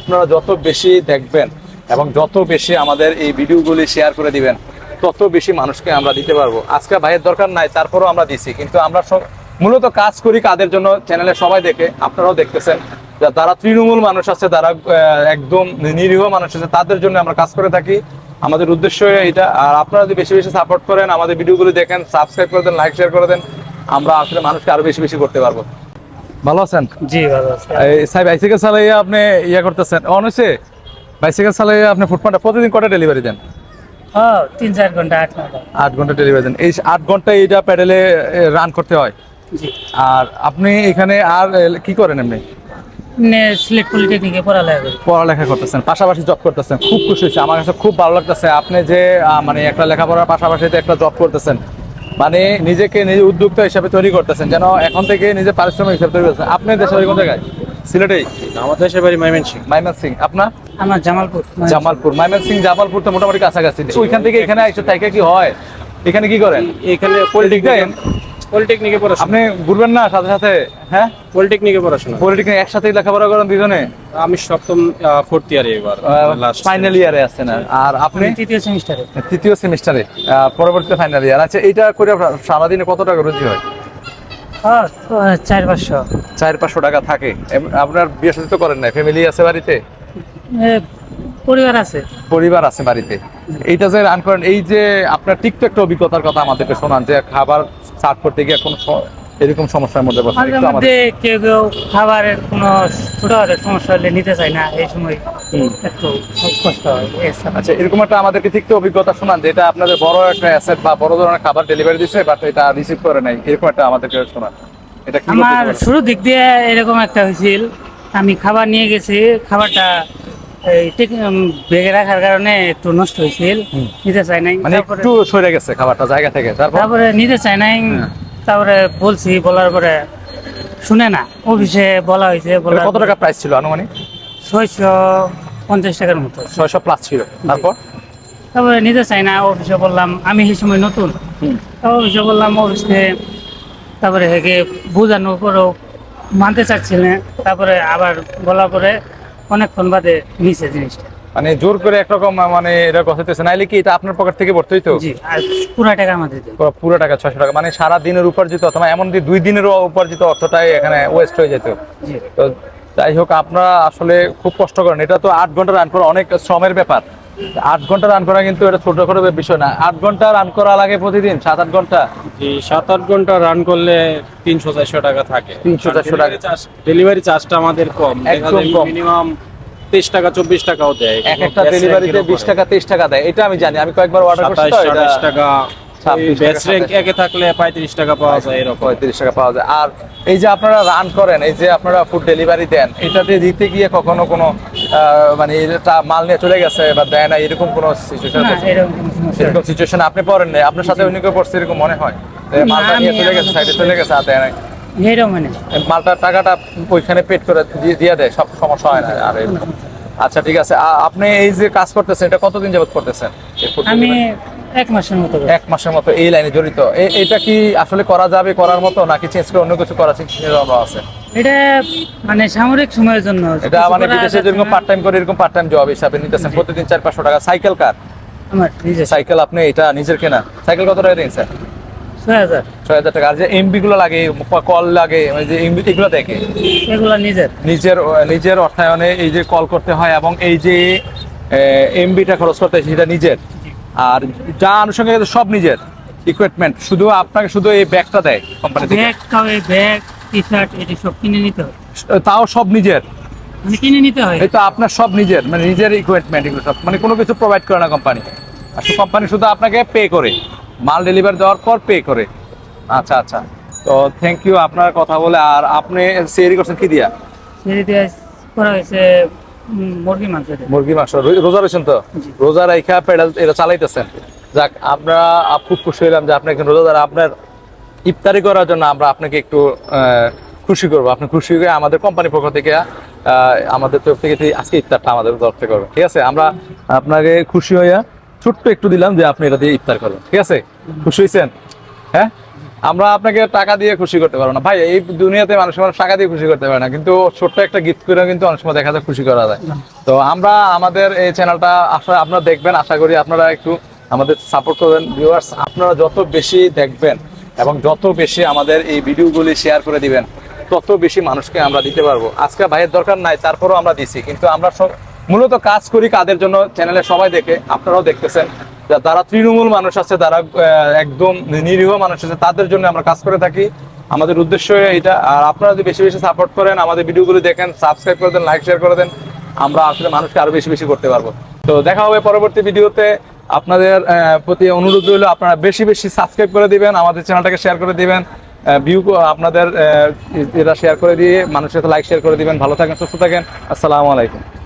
আপনারা যত বেশি দেখবেন এবং যত বেশি আমাদের এই ভিডিওগুলি শেয়ার করে দিবেন, তত বেশি মানুষকে আমরা দিতে পারবো। আজকে ভাইয়ের দরকার নাই, তারপরেও আমরা দিছি, কিন্তু আমরা মূলত কাজ করি কাদের জন্য? চ্যানেলে সবাই দেখে, আপনারাও দেখতেছেন, যারা তৃণমূল মানুষ আছে, যারা একদম নিরীহ মানুষ আছে, তাদের জন্য আমরা কাজ করে থাকি। আমাদের উদ্দেশ্য এটা। আর আপনারা যদি বেশি বেশি সাপোর্ট করেন, আমাদের ভিডিওগুলো দেখেন, সাবস্ক্রাইব করে দেন, লাইক শেয়ার করে দেন, আমরা আসলে মানুষকে আরো বেশি বেশি করতে পারবো। ভালো আছেন? জি ভালো আছি। সাহেব বাইসাইকেল চালাইয়া আপনি করতেছেন, অন হয়েছে? বাইসাইকেল চালাইয়া আপনি ফুটপাথে প্রতিদিন কটা ডেলিভারি দেন? 3-4 ঘন্টা 8 ঘন্টা। 8 ঘন্টা ডেলিভারি দেন। এই 8 ঘন্টা এইটা প্যাডেলে রান করতে হয়। জি। আর আপনি এখানে আর কি করেন? এমনি সিলেট পলিটেকনিকে পড়ালেখা করতেছেন, পাশাপাশি জব করতেছেন। খুব খুশি হয়েছে, আমার কাছে খুব ভালো লাগতেছে। আপনি যে মানে একটা লেখাপড়ার পাশাপাশি একটা জব করতেছেন, মানে নিজেকে নিজে উদ্যোক্তা হিসাবে তৈরি করতেছেন, যেন এখন থেকে নিজে পারিশ্রমিক হিসাবে তৈরি করতেছেন। আপনি দেশের বাড়ি কোন জায়গায়? সিলেটেই? আমাদের দেশের বাড়ি ময়মনসিংহ। ময়মনসিংহ। আপনার? আমার জামালপুর। জামালপুর। ময়মনসিংহ জামালপুর তো মোটামুটি কাছাকাছি। ওইখান থেকে এখানে আইসো, তাইকে কি হয়? এখানে কি করেন? এখানে পলিটেকনিকে পড়াশোনা। আপনি ঘুরবেন না সাথে সাথে? হ্যাঁ, পলিটেকনিকে পড়াশোনা। পলিটেকনিক একসাথে লেখাপড়া করেন দুজনে? আমি সপ্তম 4th ইয়ারে এবার ফাইনাল ইয়ারে আছেন। আর আপনি? তৃতীয় সেমিস্টারে। তৃতীয় সেমিস্টারে, পরবর্তীতে ফাইনাল ইয়ার। আচ্ছা, এটা করে সারাদিনে কত টাকা রুজি হয়? 400-500। 400-500 টাকা থাকে। আপনার বিয়ে শাদী তো করেন না? ফ্যামিলি আছে বাড়িতে? পরিবার আছে। পরিবার আছে বাড়িতে। এইটা যে রান করেন, এই যে আপনার টিকটক একটা অভিজ্ঞতার কথা আমাদেরকে শোনান, যে খাবার সার্ভ করতে গিয়ে কোনো এরকম সমস্যার মধ্যে পড়ছেন? মাঝে মধ্যে কেউ কেউ খাবারের কোনো ছোটখাটো সমস্যা হলে নিতে চায় না, এই সময় একটু কষ্ট হয়। আচ্ছা, এরকম একটা আমাদেরকে ঠিক অভিজ্ঞতা শোনান, যেটা আপনাদের বড় একটা অ্যাসেট বা বড় ধরনের খাবার ডেলিভারি দিচ্ছে, বাট এটা রিসিভ করে নাই, এরকম একটা আমাদেরকে শোনান। এটা কি? আমার শুরু দিক দিয়ে এরকম একটা হয়েছিল, আমি খাবার নিয়ে গেছি, খাবারটা বেগে রাখার কারণে একটু নষ্ট হয়েছিল, নিতে চাই নাই। মানে একটু সরে গেছে খাবারটা জায়গা থেকে, তারপরে নিতে চাই নাই। তারপরে বলছি, বলার পরে শুনে না। অফিসে বলা হয়েছে। কত টাকা প্রাইস ছিল আনুমানিক? 650 টাকার মতো। 600 প্লাস ছিল। তারপরে নিতে চাই না। অফিসে বললাম, আমি সেই সময় নতুন। অফিসে বললাম, অফিসে তারপরে হেগে বোঝানোর পরেও মানতে চাচ্ছিলেন। তারপরে আবার বলার পরে অনেকক্ষণ বাদে নিচে জিনিসটা, মানে জোর করে একরকম, মানে এটা কথাইতেছে, নাইলে কি এটা আপনার পকেট থেকে ভরতে হইতো? জি। আর পুরো টাকা আমাদের পুরো টাকা 600 টাকা, মানে সারা দিনের উপার্জিত, অথবা এমন 2 দিনেরও উপার্জিত অর্থটাই এখানে ওয়েস্ট হয়ে যেত। তো যাই হোক, আপনারা আসলে খুব কষ্ট করেন। এটা তো 8 ঘন্টা রান করা অনেক শ্রমের ব্যাপার। 8 ঘন্টা রান করা কিন্তু এটা ছোটখাটো বিষয় না। 8 ঘন্টা রান করা লাগে প্রতিদিন, 7-8 ঘন্টা। জি, 7-8 ঘন্টা রান করলে 300-400 টাকা থাকে। 300-400 টাকা। ডেলিভারি চার্জটা আমাদের কম, একদম কম। মিনিমাম 23 টাকা 24 টাকাও দেয়। একটা ডেলিভারিতে 20 টাকা 23 টাকা দেয়, এটা আমি জানি, আমি কয়েকবার অর্ডার করছি। 27 টাকা। বেস্ট র‍্যাঙ্ক একে থাকলে 35 টাকা পাওয়া যায়, এরকম 35 টাকা পাওয়া যায়। আর এই যে আপনারা রান করেন, এই যে আপনারা ফুড ডেলিভারি দেন, এটাতে দিতে গিয়ে কখনো কোনো মানে এটা মাল নিয়ে চলে গেছে বা দেয় না, এরকম কোনো সিচুয়েশন? এরকম সিচুয়েশন আপনি পড়েন না? আপনার সাথে অন্য কেউ পড়ছে এরকম মনে হয়? মালটা নিয়ে চলে গেছে, সাইডে চলে গেছে, আর দেয় না, মালটার টাকাটা ওইখানে পেড করে দিয়ে দেয়, সব সমস্যা হয় না? আর আচ্ছা, ঠিক আছে। আপনি এই যে কাজ করতেছেন, এটা কতদিন যাবত করতেছেন? আমি 1 মাসের মতো। 1 মাসের মতো এই লাইনে জড়িত। এটা কি আসলে করা যাবে, করার মতো, নাকি চেঞ্জ করে অন্য কিছু করার চিন্তা আছে? এটা মানে সামরিক সময়ের জন্য। এটা মানে বিদেশে যেরকম পার্ট টাইম করে, এরকম পার্ট টাইম জব হিসাবে নিতেছেন প্রতিদিন 400-500 টাকা। সাইকেল কার? আমার নিজের সাইকেল। আপনি এটা নিজের কেনা সাইকেল? কত টাকা দিন স্যার? 6000 টাকা। আর যে এমবি গুলো লাগে, কল লাগে, ওই যে এমবি, এগুলো দেখে এগুলো নিজের অর্থায়নে এই যে কল করতে হয়, এবং এই যে এমবিটা খরচ করতে হয় সেটা নিজের। আর যা আনুষঙ্গিক সব নিজের ইকুইপমেন্ট, শুধু আপনাকে শুধু এই ব্যাগটা দেয় কোম্পানি থেকে। ব্যাগ, টি-শার্ট এটি সব কিনে নিতে হয়। তাও সব নিজের কিনে নিতে হয়। এই তো আপনার সব নিজের, মানে নিজের ইকুইপমেন্ট, এগুলো সব, মানে কোনো কিছু প্রোভাইড করে না কোম্পানি। আর কোম্পানি শুধু আপনাকে পে করে, মাল ডেলিভারি দেওয়ার পর পে করে। আচ্ছা আচ্ছা, তো থ্যাংক ইউ আপনার কথা বলে। আর আপনি সেরি করছেন কি দিয়া? সেরি দিয়ে করা হয়েছে মুরগি মাংস। রোজা রয়েছেন তো? রোজা রাইখা পেডাল এটা চালাইতেছেন। যাক, আমরা খুব খুশি হইলাম যে আপনি একজন রোজাদার। আপনার ইফতারি করার জন্য আমরা আপনাকে একটু খুশি করবো। আপনি খুশি হয়ে আমাদের কোম্পানির পক্ষ থেকে, আমাদের তরফ থেকে আজকে ইফতারটা আমাদের তরফ থেকে করবেন, ঠিক আছে? আমরা আপনাকে খুশি হইয়া ছোট্ট একটু দিলাম যে আপনি এটা দিয়ে ইফতার করবেন, ঠিক আছে? খুশি হয়েছেন? হ্যাঁ, আমরা আপনাকে টাকা দিয়ে খুশি করতে পারবো না ভাই, এই দুনিয়াতে মানুষ টাকা দিয়ে খুশি করতে পারে না, কিন্তু ছোট্ট একটা গিফট করে কিন্তু অনেক সময় দেখা যায় খুশি করা যায়। তো আমরা আমাদের এই চ্যানেলটা আসলে আপনারা দেখবেন, আশা করি আপনারা একটু আমাদের সাপোর্ট করবেন। ভিউয়ার্স, আপনারা যত বেশি দেখবেন এবং যত বেশি আমাদের এই ভিডিওগুলি শেয়ার করে দিবেন, তত বেশি মানুষকে আমরা দিতে পারবো। আজকে ভাইয়ের দরকার নাই, তারপরেও আমরা দিছি, কিন্তু আমরা মূলত কাজ করি কাদের জন্য, চ্যানেলে সবাই দেখে, আপনারাও দেখতেছেন, যারা তৃণমূল মানুষ আছে, যারা একদম নিরীহ মানুষ আছে, তাদের জন্য আমরা কাজ করে থাকি। আমাদের উদ্দেশ্য এটা। আর আপনারা যদি বেশি বেশি সাপোর্ট করেন, আমাদের ভিডিওগুলো দেখেন, সাবস্ক্রাইব করে দেন, লাইক শেয়ার করে দেন, আমরা আসলে মানুষকে আরো বেশি বেশি করতে পারবো। তো দেখা হবে পরবর্তী ভিডিওতে। আপনাদের প্রতি অনুরোধ রইল, আপনারা বেশি বেশি সাবস্ক্রাইব করে দিবেন, আমাদের চ্যানেলটাকে শেয়ার করে দিবেন, ভিউ আপনাদের এটা শেয়ার করে দিয়ে মানুষের সাথে লাইক শেয়ার করে দিবেন। ভালো থাকেন, সুস্থ থাকেন, আসসালামু আলাইকুম।